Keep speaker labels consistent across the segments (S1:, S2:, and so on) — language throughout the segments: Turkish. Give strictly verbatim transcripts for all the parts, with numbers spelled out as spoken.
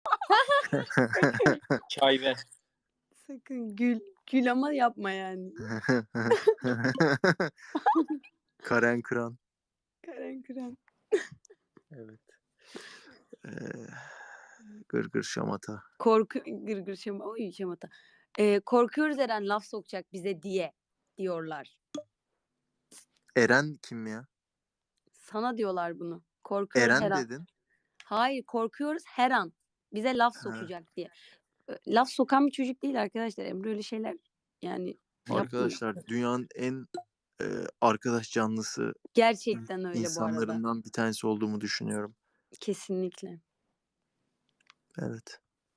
S1: Çay ver.
S2: Sakın gül. Gül ama yapma yani.
S3: Karen Kıran.
S2: Karen Kıran.
S3: Evet. Ee, gırgır şamata.
S2: Korku gırgır şamata. Oy şamata. Ee, korkuyoruz Eren laf sokacak bize diye diyorlar.
S3: Eren kim ya?
S2: Sana diyorlar bunu. Korkuyoruz her
S3: Eren
S2: an.
S3: dedin.
S2: Hayır, korkuyoruz her an. Bize laf
S3: Ha.
S2: sokacak diye. Ö, Laf sokan bir çocuk değil arkadaşlar. Emre öyle şeyler yani yapmıyor.
S3: Arkadaşlar dünyanın en e, arkadaş canlısı
S2: Gerçekten öyle bu arada.
S3: insanlarından bir tanesi olduğumu düşünüyorum.
S2: Kesinlikle.
S3: Evet.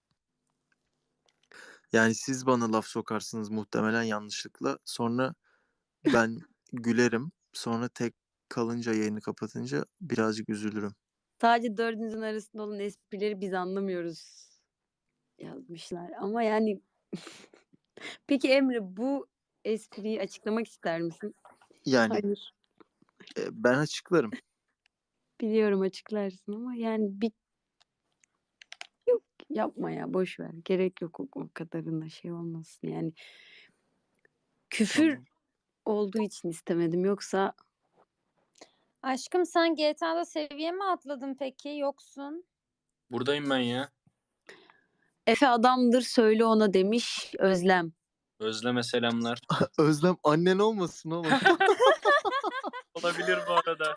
S3: Yani siz bana laf sokarsınız muhtemelen yanlışlıkla. Sonra ben gülerim. Sonra tek kalınca yayını kapatınca birazcık üzülürüm.
S2: Sadece dördünüzün arasında olan esprileri biz anlamıyoruz yazmışlar. Ama yani peki Emre bu espriyi açıklamak ister misin?
S3: Yani
S2: Hayır.
S3: e, ben açıklarım.
S2: Biliyorum açıklarsın ama yani bir yok yapma ya boş ver. Gerek yok o, o kadarına şey olmasın yani. Küfür
S3: Tamam.
S2: olduğu için istemedim yoksa
S4: Aşkım sen G T A'da seviye mi atladın peki? Yoksun.
S1: Buradayım ben ya.
S2: Efe adamdır söyle ona demiş Özlem.
S1: Özleme selamlar.
S3: Özlem annen olmasın oğlum.
S1: Olabilir bu arada.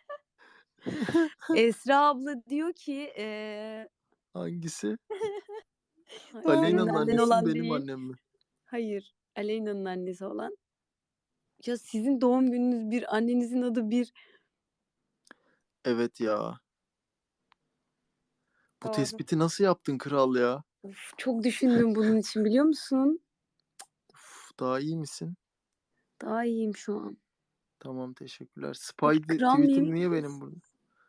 S2: Esra abla diyor ki eee
S3: Hangisi?
S2: senin
S3: Aleyna'nın
S2: annen
S3: annesi
S2: olan
S3: mi benim
S2: değil.
S3: annem mi?
S2: Hayır. Aleyna'nın annesi olan. Ya sizin doğum gününüz bir, annenizin adı bir.
S3: Evet ya. Bu
S4: Doğru.
S3: tespiti nasıl yaptın kral ya?
S2: Of, çok düşündüm bunun için biliyor musun?
S3: Uf, daha iyi misin?
S2: Daha iyiyim şu an.
S3: Tamam teşekkürler. Spidey
S2: Kral
S3: tweetim
S2: mıyım?
S3: niye benim burada?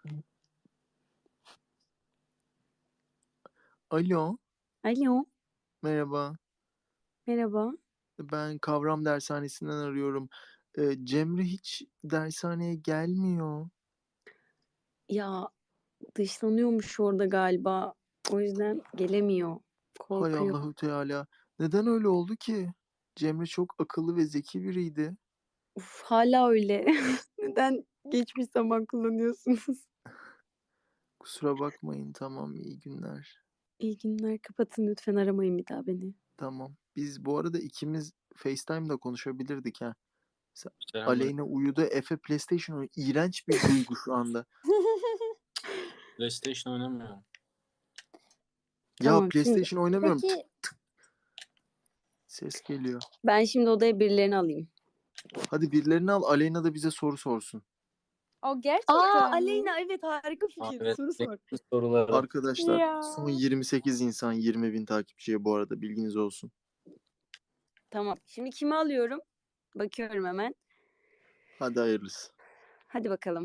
S3: Alo.
S2: Alo.
S3: Merhaba.
S2: Merhaba.
S3: Ben kavram dershanesinden arıyorum. Ee, Cemre hiç dershaneye gelmiyor.
S2: Ya dışlanıyormuş orada galiba. O yüzden gelemiyor.
S3: Hay
S2: Korkuyor.
S3: Allahu Teala. Neden öyle oldu ki? Cemre çok akıllı ve zeki biriydi.
S2: Uf, hala öyle. Neden geçmiş zaman kullanıyorsunuz?
S3: Kusura bakmayın. Tamam, iyi günler.
S2: İyi günler. Kapatın lütfen aramayın bir daha beni.
S3: Tamam. Biz bu arada ikimiz FaceTime'da konuşabilirdik ha. Sen-
S1: Selamlar.
S3: Aleyna uyudu. Efe PlayStation oynuyor. İğrenç bir duygu şu anda.
S1: PlayStation oynamıyorum.
S3: Ya
S2: Tamam,
S3: PlayStation oynamıyorum.
S4: Peki
S3: Ses geliyor.
S2: Ben şimdi odaya birilerini alayım.
S3: Hadi birilerini al. Aleyna da bize soru sorsun.
S4: o gerçekten
S2: Aa
S4: mi?
S2: Aleyna evet harika
S1: Aa,
S2: fikir.
S1: evet.
S2: Soru sor.
S1: Soruları.
S3: Arkadaşlar
S4: Ya.
S3: son yirmi sekiz insan yirmi bin takipçiye bu arada bilginiz olsun.
S2: Tamam. Şimdi kimi alıyorum? Bakıyorum hemen.
S3: Hadi hayırlısı.
S2: Hadi bakalım.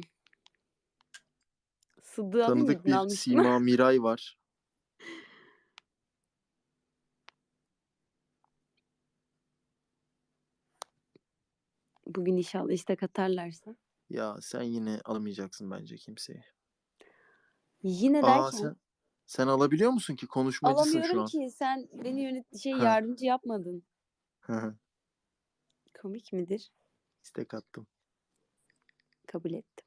S2: Sıddığı alayım
S3: Tanıdık
S2: mıydın?
S3: bir
S2: Almıştım.
S3: Sima Miray var.
S2: Bugün inşallah istek atarlarsa.
S3: Ya sen yine alamayacaksın bence kimseyi.
S2: Yine
S3: Aa
S2: derken
S3: sen sen alabiliyor musun ki? Konuşmacısın şu
S2: alamıyorum
S3: an.
S2: ki. Sen beni yönet şey
S3: Ha.
S2: yardımcı yapmadın.
S3: Hı hı.
S2: Komik midir?
S3: İstek attım.
S2: Kabul ettim.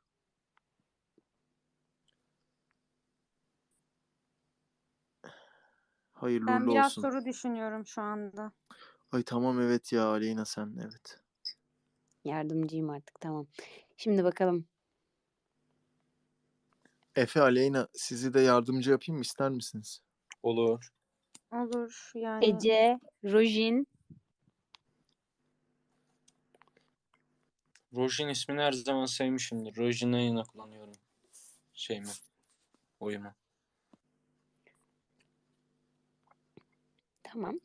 S3: Hayırlı
S4: Ben
S3: uğurlu
S4: biraz
S3: olsun.
S4: soru düşünüyorum şu anda.
S3: Ay tamam evet ya Aleyna sen evet.
S2: Yardımcıyım artık tamam. Şimdi bakalım.
S3: Efe Aleyna sizi de yardımcı yapayım mı ister misiniz?
S1: Olur.
S4: Olur yani.
S2: Ece, Rojin,
S1: Rojin ismini her zaman sevmişimdir. Rojin'e yine kullanıyorum. Şey mi? Oyumu.
S2: tamam.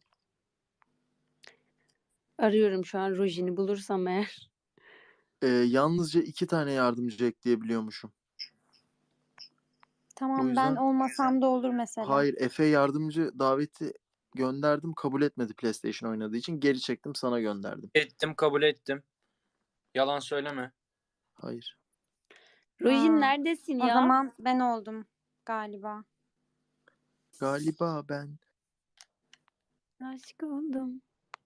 S2: Arıyorum şu an Rojin'i bulursam eğer.
S3: Ee, yalnızca iki tane yardımcı ekleyebiliyormuşum.
S4: Tamam
S3: O yüzden-
S4: ben olmasam da olur mesela.
S3: Hayır Efe yardımcı daveti gönderdim kabul etmedi PlayStation oynadığı için geri çektim sana gönderdim.
S1: Ettim, kabul ettim. Yalan söyleme.
S3: Hayır.
S2: Rojin
S4: Aa,
S2: neredesin
S4: O
S2: ya?
S4: zaman ben oldum galiba.
S3: galiba ben.
S2: Aşık oldum.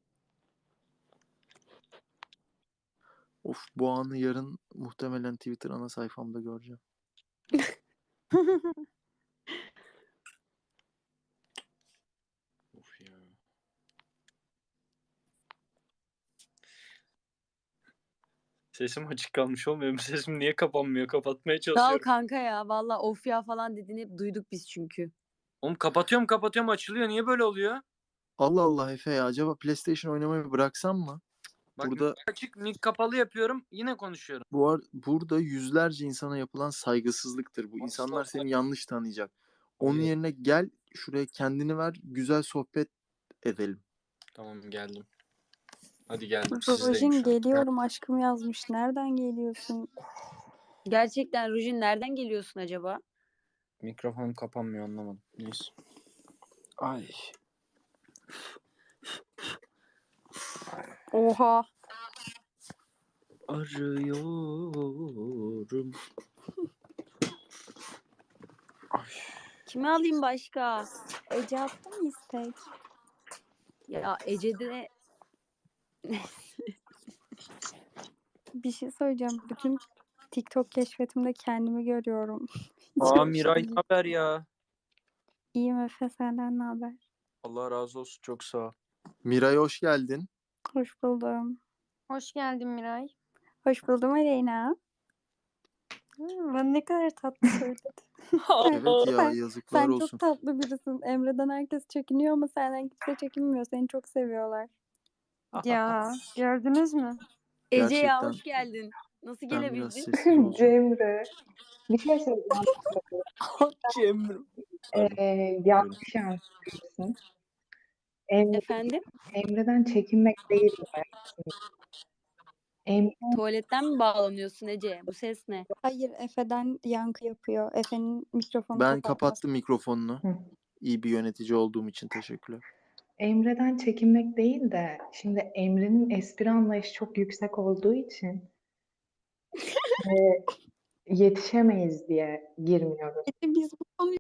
S3: Of, bu anı yarın muhtemelen Twitter ana sayfamda göreceğim.
S1: Of ya. Sesim açık kalmış olmuyor mu? Sesim niye kapanmıyor? Kapatmaya
S2: Sağ ol
S1: çalışıyorum.
S2: kanka ya. Valla of ya falan dediğini hep duyduk biz çünkü.
S1: Oğlum kapatıyorum kapatıyorum açılıyor. Niye böyle oluyor?
S3: Allah Allah Efe ya, acaba PlayStation oynamayı bıraksam mı?
S1: Bak
S3: Burada
S1: açık mic kapalı yapıyorum. Yine konuşuyorum.
S3: bu ar- burada yüzlerce insana yapılan saygısızlıktır bu. İnsanlar seni yanlış tanıyacak. Onun
S1: Hayır.
S3: yerine gel şuraya, kendini ver, güzel sohbet edelim.
S1: Tamam geldim. Hadi geldim. Sizdeyim
S5: Rojin
S1: şu an.
S5: geliyorum aşkım yazmış. Nereden geliyorsun?
S2: Gerçekten Rujin nereden geliyorsun acaba?
S1: Mikrofonum kapanmıyor anlamadım. Neyse. Ay.
S5: Oha.
S1: Arıyorum.
S2: Kimi alayım başka?
S5: Ece attı mı istek?
S2: Ya Ece'de
S5: Bir şey söyleyeceğim. Bütün TikTok keşfetimde kendimi görüyorum.
S1: Aa
S5: Çok
S1: Miray
S5: iyi.
S1: ne haber ya?
S5: İyiyim Efe, senden ne haber?
S1: Allah razı olsun çok sağ ol.
S3: Miray hoş geldin.
S5: Hoş buldum.
S4: Hoş geldin Miray.
S5: Hoş buldum Aleyna. Hmm, ben ne kadar tatlı söyledim.
S3: Evet ya,
S5: sen,
S3: yazıklar
S5: sen
S3: olsun.
S5: çok tatlı birisin. Emre'den herkes çekiniyor ama senden kimse çekinmiyor. Seni çok seviyorlar.
S4: Ya gördünüz mü?
S2: Ece ya
S3: Gerçekten
S2: hoş geldin. Nasıl
S3: ben biraz
S2: gelebildin?
S3: sessiz olacağım.
S6: Cemre. Bir şey söyleyeceğim.
S1: Cemre.
S6: Ee, yanlış yansıtıyorsun. Emre,
S2: Efendim?
S6: Emre'den çekinmek değil mi? Emre,
S2: Tuvaletten mi bağlanıyorsun Ece? Bu ses ne?
S5: Hayır, Efe'den yankı yapıyor. Efe'nin mikrofonu
S3: Ben
S5: kapatması.
S3: kapattım mikrofonunu.
S6: Hı.
S3: İyi bir yönetici olduğum için teşekkürler.
S6: Emre'den çekinmek değil de şimdi Emre'nin espri anlayışı çok yüksek olduğu için e, yetişemeyiz diye girmiyoruz.
S5: Ece, biz bu konuyu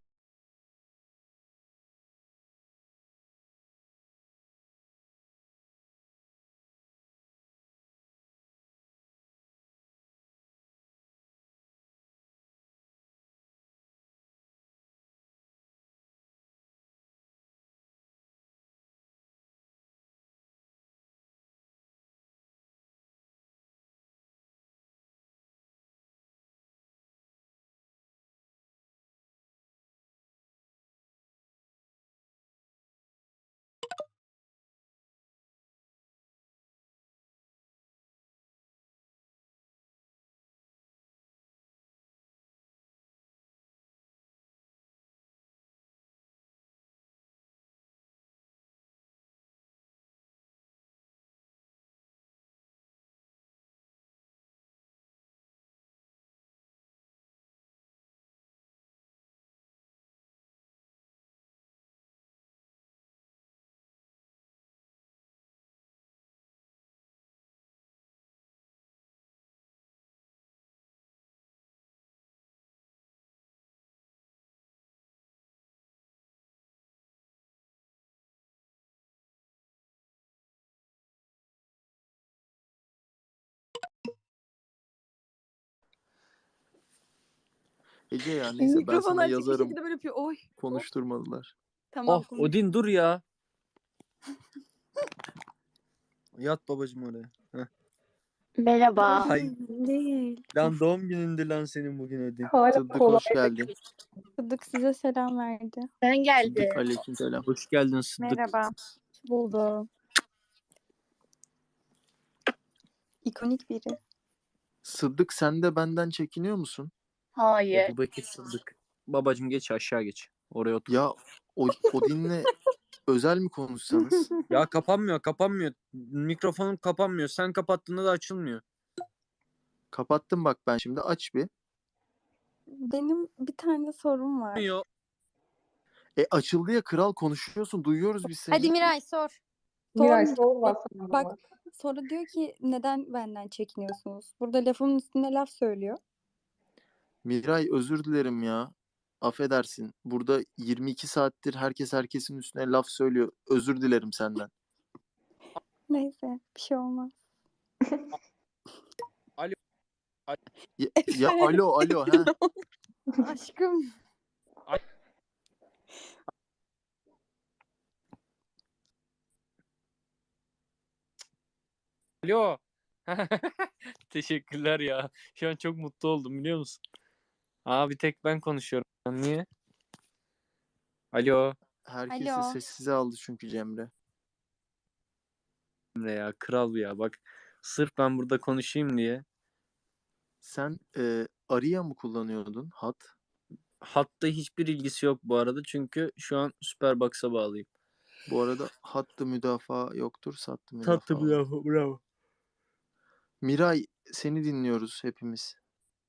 S3: Ece ya, neyse ben
S2: Mikrofon
S3: sana
S2: açık bir
S3: yazarım.
S2: şekilde böyle yapıyor. Oy.
S3: Konuşturmadılar.
S2: Tamam
S1: Oh
S2: konuş.
S1: Odin dur ya. Yat babacım oraya. Heh.
S7: Merhaba.
S1: Hay
S2: Değil.
S1: lan doğum günündü lan senin bugün Odin.
S6: Hala
S3: Sıddık
S6: kolay.
S3: hoş geldin.
S5: Sıddık size selam verdi.
S7: Ben geldim.
S3: Sıddık aleykümselam.
S1: Hoş geldin Sıddık.
S4: Merhaba.
S5: Buldum. İkonik biri.
S3: Sıddık, sen de benden çekiniyor musun?
S7: Hayır.
S1: Ebu Bekir Sıddık. Babacım geç aşağı geç. Oraya otur.
S3: Ya o, Odin'le özel mi konuşsanız?
S1: Ya kapanmıyor kapanmıyor. Mikrofonum kapanmıyor. Sen kapattığında da açılmıyor.
S3: Kapattım bak ben şimdi, aç bir.
S5: Benim bir tane sorum var.
S1: Yok.
S3: E açıldı ya kral, konuşuyorsun, duyuyoruz biz seni.
S4: Hadi Miray sor.
S6: Miray
S5: Sormayacağım.
S6: sor baksana
S5: Bak,
S6: bana.
S5: sonra diyor ki neden benden çekiniyorsunuz? Burada lafımın üstüne laf söylüyor.
S3: Miray özür dilerim ya. affedersin. Burada yirmi iki saattir herkes herkesin üstüne laf söylüyor. Özür dilerim senden.
S5: Neyse bir şey olmaz.
S3: Ya, ya alo alo ha.
S2: Aşkım.
S1: Alo. Teşekkürler ya. Şu an çok mutlu oldum biliyor musun? Aa bir tek ben konuşuyorum. Niye? Alo.
S3: Herkesi
S4: Alo.
S3: sessize aldı çünkü Cemre.
S1: Emre ya kral ya bak. Sırf ben burada konuşayım diye.
S3: Sen e, Aria mı kullanıyordun hat?
S1: Hatta hiçbir ilgisi yok bu arada. Çünkü şu an Superbox'a bağlıyım.
S3: Bu arada hattı müdafaa yoktur, sattı müdafaa
S1: Tatlı
S3: var.
S1: bravo bravo.
S3: Miray, seni dinliyoruz hepimiz.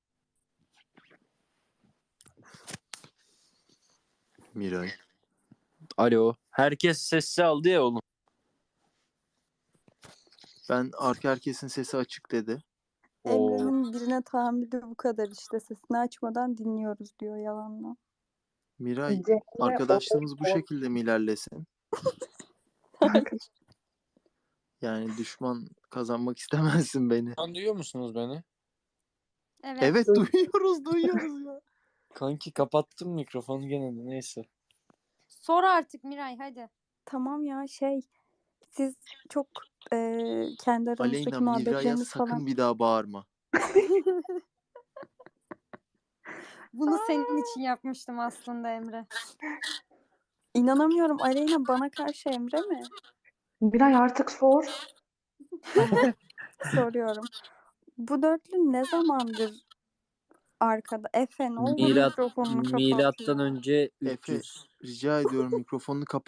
S3: Miray.
S1: Alo. Herkes sessiz aldı ya oğlum.
S3: Ben arka herkesin sesi açık dedi.
S1: Oo.
S5: Emre'nin birine tahammülü bu kadar işte. Sesini açmadan dinliyoruz diyor yalanla.
S3: Miray,
S6: Cemre
S3: arkadaşlığımız bu
S6: o-
S3: şekilde mi ilerlesin? Yani düşman kazanmak istemezsin beni.
S1: Şu an duyuyor musunuz beni?
S4: Evet.
S3: Evet duyuyoruz duyuyoruz ya.
S1: Kanki kapattım mikrofonu gene de neyse.
S4: Sor artık Miray hadi.
S5: Tamam ya şey siz çok e, kendi aranızdaki
S3: Aleyna, Miray'a
S5: muhabbetleriniz
S3: sakın
S5: falan.
S3: bir daha bağırma.
S4: Bunu senin için yapmıştım aslında Emre.
S5: İnanamıyorum Aleyna bana karşı Emre mi?
S6: Miray artık sor.
S5: Tamam soruyorum. Bu dörtlü ne zamandır arkada? Efe ne olur
S1: Milat,
S5: mikrofonunu kapat
S1: milattan
S5: ya.
S1: önce
S3: Efe,
S1: üç yüz.
S3: rica ediyorum mikrofonunu kapat.